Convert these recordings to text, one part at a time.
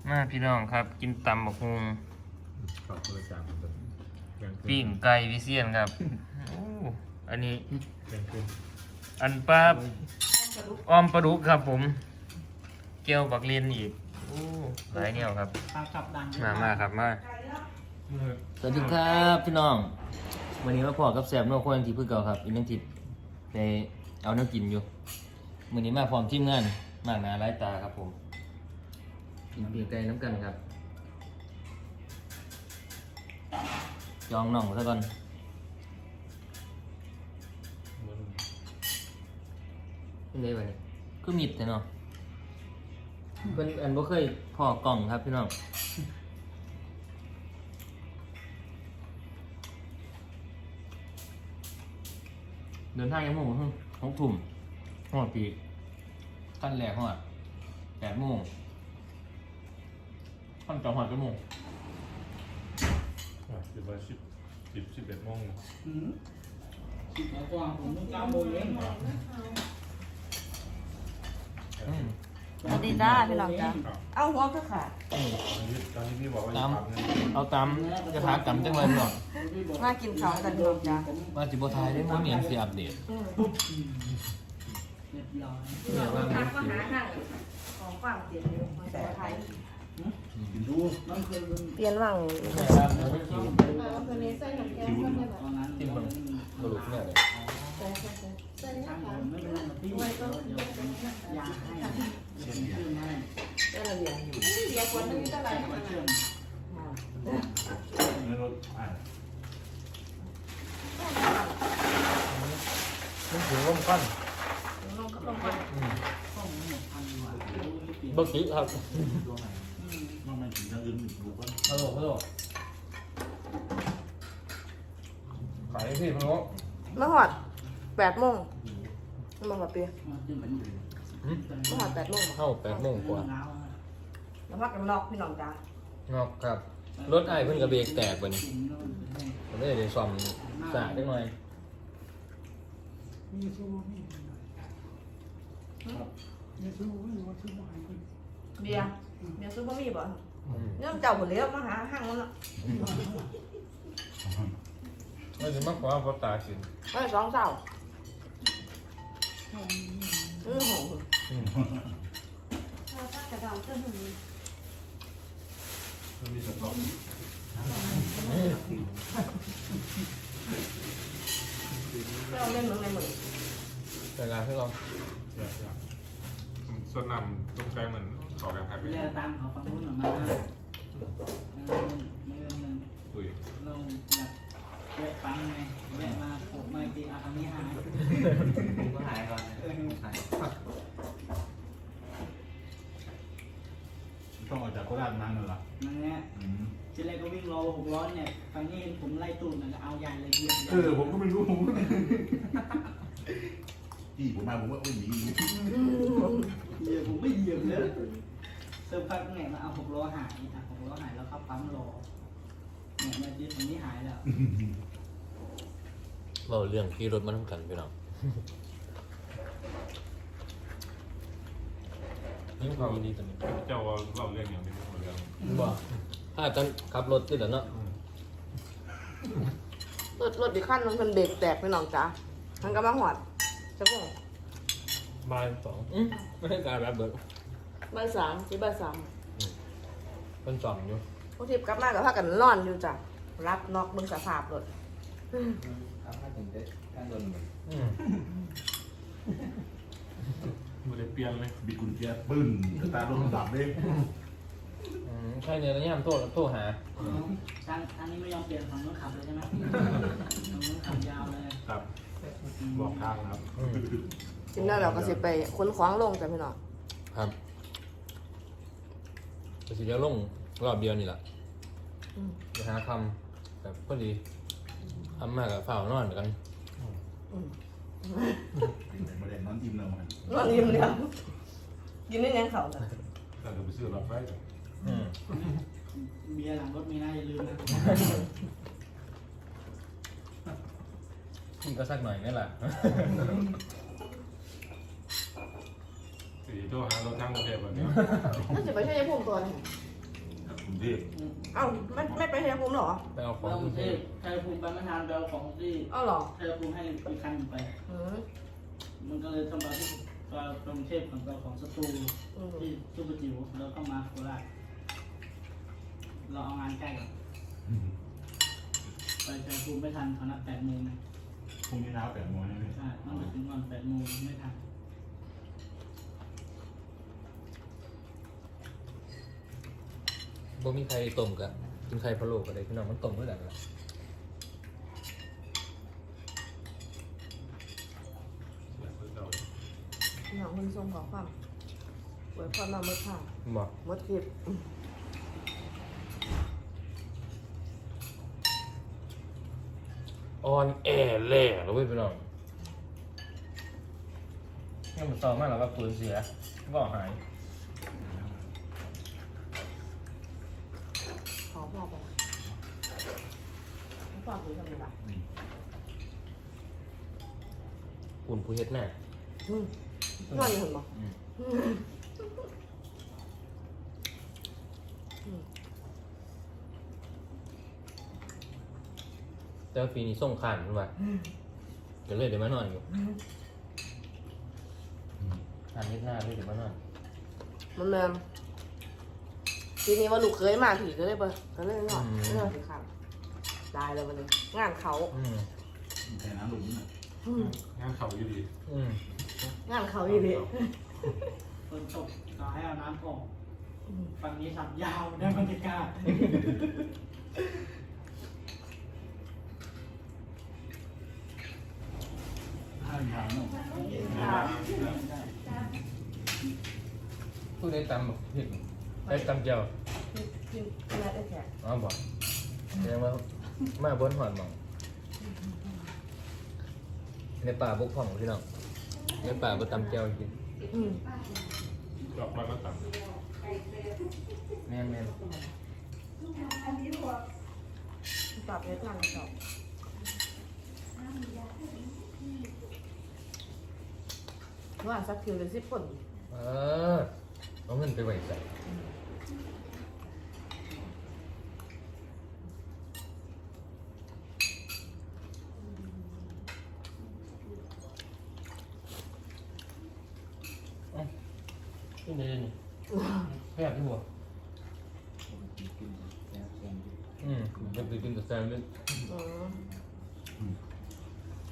มาพี่น้องครับกินตำบักฮุงขอบคุณจางปิ้งไก่วิเซียนครับโอ้อันนี้เป็นขึ้นอันปลาอ้อมปลาดุกครับผมเกี๊ยวบักเลียนอีกโอ้หลายแนวครับขับดังมาครับมาสวัสดีครับพี่น้องวันนี้มาพอกับแซมโนโคยังทีเพื่อเก่าครับอีกนึงทิศไปเอาเนื้อกินอยู่วันนี้มาพร้อมทีมงานมากหนาหลายตาครับผมกินปิ้งไก่น้ำกันครับจองน่องซะก่อนเป็นไงวะเนี่ยคือมิดแต่เนาะเป็นอันบ่เคยพอกล่องครับพี่น้องเดินทางยังโมง6 ทุ่มหอดปีขั้นแรกหอด8 โมงขั้นต่อหอดกี่โมงคิดว่า11 โมงสิบกว่าผมต้อง9 โมงเองสวัสดีจ้าพี่น้องจ้าเอาหัวก็ขาดตอนนี้พี่บอกว่าตามเอาตามจะถามกำจังเลยพี่น้องมากินข้าวกันพี่น้องจ้าว่าจิบทายได้มั้งเนี่ยสิอัปเดตเรียบร้อยเนี่ยว่าทางก็หาทางของฝากเปลี่ยนอยู่มาแต่ไทยกินดูมันคือเปลี่ยนว่างแม่ว่ามันไม่คิวตอนนั้นกินมันกระดูกเนี่ยเลยทางผมไม่เป็นไรพี่เดี๋ยวยาให้เชื่อมให้ได้ระเบียบอยู่เบียร์คนนึงเท่าไหร่เชื่อมในรถมันถือร่มก้อนลงกับลงไปข้อมูล1,000 กว่าบะกี้ครับมันไม่ถึงทางอื่นดูก่อนฮัลโหลขายพี่พะโล้มาหอด8 โมงมาหอดเปียขึ้นไปนี่มาหอด8 โมงเข้า8 โมงกว่าแล้วพักกันนอกพี่น้องจ้านอกครับรถไอ้เพิ่นกระเบรกแตกไปนี่ผมได้เลยซ่อมสาดได้หน่อยเบียร์ซุปบะหมี่บ่เนี่ยเจ้าหมดแล้วมาหาห้างมันละไม่ถึงมากกว่าพอตาสินไม่2 เจ้าหงมันมีสต๊อกเราเล่นเหมือนในมือเวลาให้ลองส่วนนำตรงใจเหมือนขอกันครับเรียกตามเขาฟังรู้หน่อยมาคุยเราแบบแวะฟังไงแวะมาผมมาตีอาคำนี้หายผมก็หายก่อนหายต้องออกจากโคราชนานเหรอนั่นแหละทีแรกก็วิ่งรอ600เนี่ยครั้งนี้เห็นผมไล่ตูดมันเอาใหญ่เลยเหยียบผมก็ไม่รู้ผมที่ผมมาผมว่าหนีเหยียบผมไม่เหยียบเลยเซอร์พักไงมาเอา600หาย600หายแล้วเข้าปั๊มรอเนี่ยนาทีตรงนี้หายแล้วเราเรื่องขี่รถมาทั้งกันพี่น้องนี่ความดีตอนนี้เจ้าว่าเราเรื่องอย่างนี้เรื่องบ่ถ้ากันขับรถติดแล้วเนาะรถอีกขั้นนึงมันเบรกแตกพี่น้องจ้ามันก็มาหอดสักโมงบ่าย 2ไม่ให้การรับเบิดบ่าย 3สิบ่ายเป็น2อยู่ 3พวกทิพย์กลับมากับพากันนอนอยู่จ้ะรับนอกเบิ่งสภาพรถครับถ้าถึงได้การโดนไม่ได้เปลี่ยนเลยบิดกุญแจปึ้งตาโดนดับเลยใช่เนี่ยแล้วย่ำโทรหาอันนี้ไม่ยอมเปลี่ยนฝั่งนู้นขับเลยใช่ไหมฝั่งนู้นขับยาวเลยครับบอกทางครับกินแล้วเราก็สิไปขนของลงจ้ะพี่น้องครับก็สิจะลงรอบเดียวนี่แหละไปหาคำแบบพอดีทำมากกับฝ่าวนอนกันไม่ได้นอนอิ่มแล้วมันนอนอิ่มแล้วกินได้ยังเขาจ้ะแต่เราไปซื้อหลอดไฟเบียร์หลังรถมีนะอย่าลืมนะพี่ก็สักหน่อยนี่แหละสีโทรหารถทางกรุงเทพแบบนี้น่าจะไปใช้ยาพุ่มตัวเลยรุงเทพเอ้าไม่ไปชัยภูมิเหรอไปเอาขไปองกรุงเทพชัยภูมิไปไม่ทันไปเอาของที่เอ้าเหรอชัยภูมิให้อีกคันหนึ่งไปอืมมันก็เลยทำมาที่กรุงเทพของเราของสตูที่ซุปเปอร์จิ๋วแล้วก็มาโคราชเราเอางานใกล้กันไปชัยภูมิไม่ทันเขานัด8 โมงนะพรุ่งนี้เช้า8 โมงใช่ไหมใช่ต้องไปถึงก่อน8 โมงไม่ทันบ่มีใครต้มกับกินไข่พะโล้ก็ได้พี่น้องมันต้มเมื่อไหร่ล่ะหนังคนทรงขอความไว้พอเราเมื่อค่ะบอกเมื่อคลิปออนแอร์แหล่แล้วเว้ยพี่น้องเนี่ยมันต่อมาแล้วว่าปืนเสียก็หายขอพ่อไปละพ่อคุยทำไมล่ะอุ่นผู้เฮ็ดแน่นอนอยู่เห็นบอกแต่ว่าปีนี้ส่งขานมันว่าเดี๋ยวเลยเดี๋ยวมานอนอยู่ขานเฮ็ดหน้าเลยเดี๋ยวมานอนมันแมนทีนี้ว่าลูกเคยมาผีก็เลยเบอร์ก็เลยนอนก็เลยสิครับได้เลยวันนี้งานเขาแค่น้ำหลุมน่ะงานเขาอยู่ดีงานเขาอยู่ดีฝนตกเราให้เอาน้ำออกฝั่งนี้สับยาวได้บรรยากาศข้าวยาวเนาะผู้ได้ตำแบบเฮ็ดได้ตำเจียวกินอะไรได้แค่อ๋อบอกแสดงว่ามาบนหอดหมองในป่าบกพ่องพี่น้องในป่าบ่ตำเจียวกินจอบมาแล้วตัดแม่นปรับเยอะจังจบว่าสักคิวเป็น10 คนเอาเงินไปไว้ใส่ขึ้นได้เลยนี่แค่ที่หัวจะไปกินกับแซมด้วยโอ้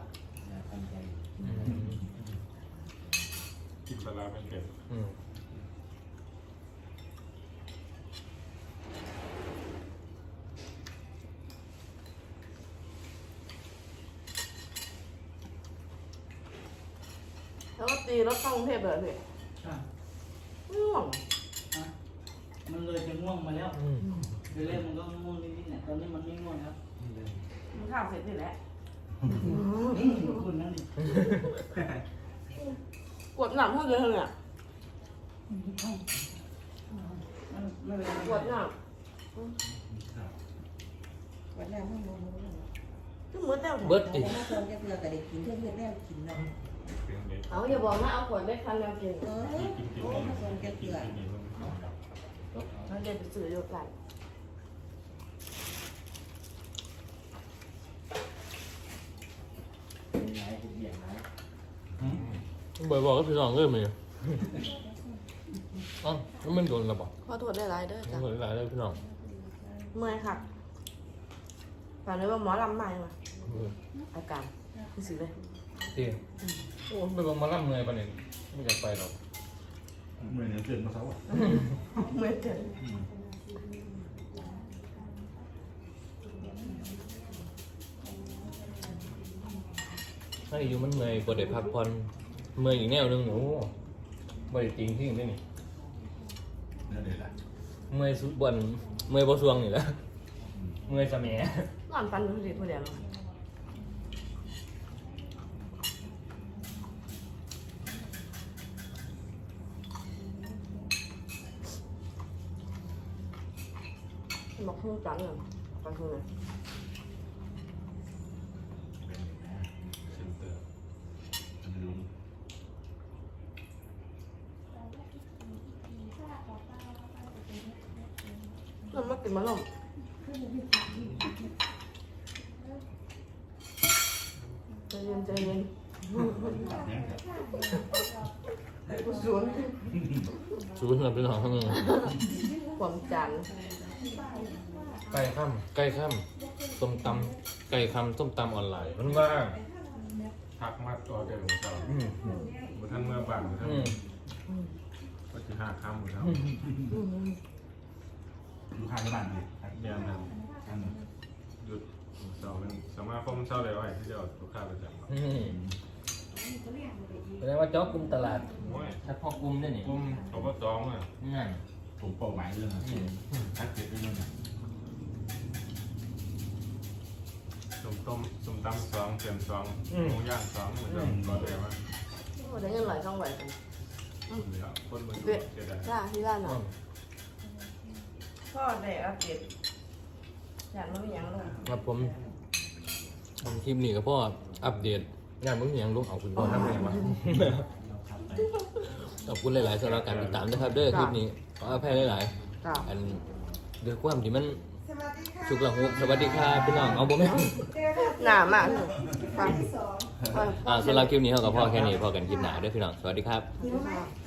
กินปลาร้าเป็นเผ็ดแล้วก็ตีรถเข้ากรุงเทพเลยพี่ใช่ง่วงฮะมันเลยจะง่วงมาแล้วเดี๋ยวแรกมันก็ง่วงนิดๆเนี่ยตอนนี้มันไม่ง่วงแล้วมันข้าวเสร็จนี่แหละคุณนั่นดิกดหนักเท่าเดิมเนี่ยไม่เป็นไรกดหนักวันนั้นมึงรู้ก็เหมือนแต่เบิดดิมาคนจะเพื่อก็ได้กินเพื่อนแล้วกินเนาะเป็นเด็ดเอาอย่าบอกนะเอาขวดเล็กพันแล้วกินโอ้มาคนจะเพื่อกินนี่ต้องมันเรียนไปสื่อเดียวกันบ่อยบอกก็พี่น้องเริ่มเลยอ๋อแล้วมันโดนระบอกขอโทษได้หลายเด้อจ้ะโดนหลายเลยพี่น้องเมื่อยค่ะฝันเลยว่าหมอลำใหม่มาอาการคือสิเลยจริงโอ้ไปบอกมาล่ำเงยปะเนี่ยไม่อยากไปหรอกเหมือนเกิดมาเช้าอ่ะเมื่อยเกินถ้าอยู่มันเงยบ่ได้พักผ่อนเมื่อยอีกแนวหนึงโอ้บ่ได้จริงที่นี่นั่นเลยล่ะเมื่อยสุดบนเมื่อยบ่สวงนี่แหละเมื่อยสะแหมนอนฟันอยู่ที่ผู้เดียวบอกพูดจังเลยฟังคือเลยเซ็นเตอร์มันรู้เมันมากินมะนมใจเย็นใจเย็นศูนย์ชูนเราเป็นของข้างนึงความจันไก่ข้ามไก่ข้ามส้มตำไก่ข้ามส้มตำออนไลน์มันว่าทักมาตัวเดียวของเราบุท่านเมื่อบ่ายบุท่านก็จะ5 ค่ำบุท่านอยู่ข้างบ้านเลยครับเรียนนะอันหยุดเสาร์เป็นสามารถคมเสาร์เลยว่าที่จะเอาลูกค้าประจำแสดงว่าเจ้ากลุ่มตลาดโอ้ยถ้าพ่อกลุ่มได้นี่กลุ่มเขาก็จองอ่ะนั่นผมเป้าหมายเรื่องอะไรชัดเจนเรื่องนั้นส้มตำ2เค็ม2หมูย่าง2เหมือนเดิมก็เลยว่าโอ้ได้เงินหลายช่องไหวกันเหลือคนมันเด็ดเสียดายจ้าที่ร้านหน่อยพ่อได้อัปเดตอยากรู้ยังลูกครับผมคลิปนี้ก็พ่ออัปเดตงานมึงยังลูกเอาคุณพ่อทำไงวะขอบคุณหลายๆสำหรับการติดตามนะครับเด้อคลิปนี้ขออภัยหลายจ้าๆอันด้วยความที่มันชุกละหุกสวัสดีครับพี่น้องเอาบ่แม่นหนามากฟังสำหรับคลิปนี้เขากับพ่อแค่นี้พอกันคลิปหน้าเด้วยพี่น้องสวัสดีครับค่ะ